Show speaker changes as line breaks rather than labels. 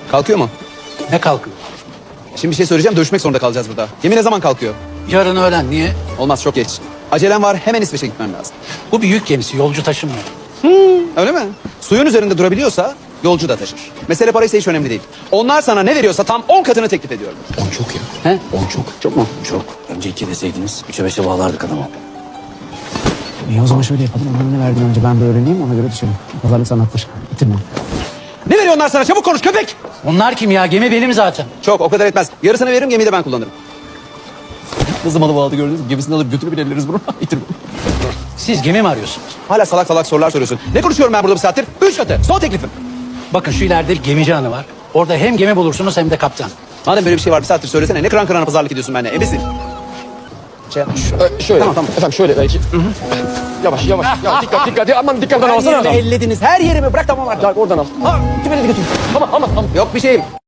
Kalkıyor mu?
Ne kalkıyor?
Şimdi bir şey söyleyeceğim. Dövüşmek zorunda kalacağız burada. Gemi ne zaman kalkıyor?
Yarın öğlen. Niye?
Olmaz, çok geç. Acelem var. Hemen İsveç'e gitmem lazım.
Bu bir yük gemisi. Yolcu taşımıyor.
Öyle mi? Suyun üzerinde durabiliyorsa yolcu da taşır. Mesele paraysa hiç önemli değil. Onlar sana ne veriyorsa tam 10 katını teklif ediyorum.
10 çok ya.
He?
10 çok.
Çok mu?
Çok. Önce 2 deseydiniz 3'e 5'e bağlardık adamı.
İyi o zaman şöyle yapalım. Onlara ne verdin önce ben bir öğreneyim ona göre düşelim. Pazarlık sanattır. Bitirme.
Ne veriyor onlar sana? Çabuk konuş köpek!
Onlar kim ya? Gemi benim zaten.
Çok, o kadar etmez. Yarısını veririm, gemiyi de ben kullanırım.
Nasıl malı bağladı gördünüz mü? Gemisini alıp götürüp ilerleriz bunu. Bitirme.
Siz gemi mi arıyorsunuz?
Hala salak salak sorular soruyorsun. Ne konuşuyorum ben burada bir saattir? 3 katı. Son teklifim.
Bakın şu ileride bir gemici hanı var. Orada hem gemi bulursunuz hem de kaptan.
Madem böyle bir şey var bir saattir söylesene. Ne kıran kırana pazarlık ediyorsun benimle? Ebesin. Şey yapma.
Şöyle.
Tamam, tamam.
Efendim şöyle belki. Yavaş yavaş. Ya, dikkat. Aman dikkat
Her
alsana
yerimi
adam.
ellediniz. Her yerimi bırak tamam artık.
Oradan al.
Ha,
Kime dedi götür. Aman.
yok bir şeyim.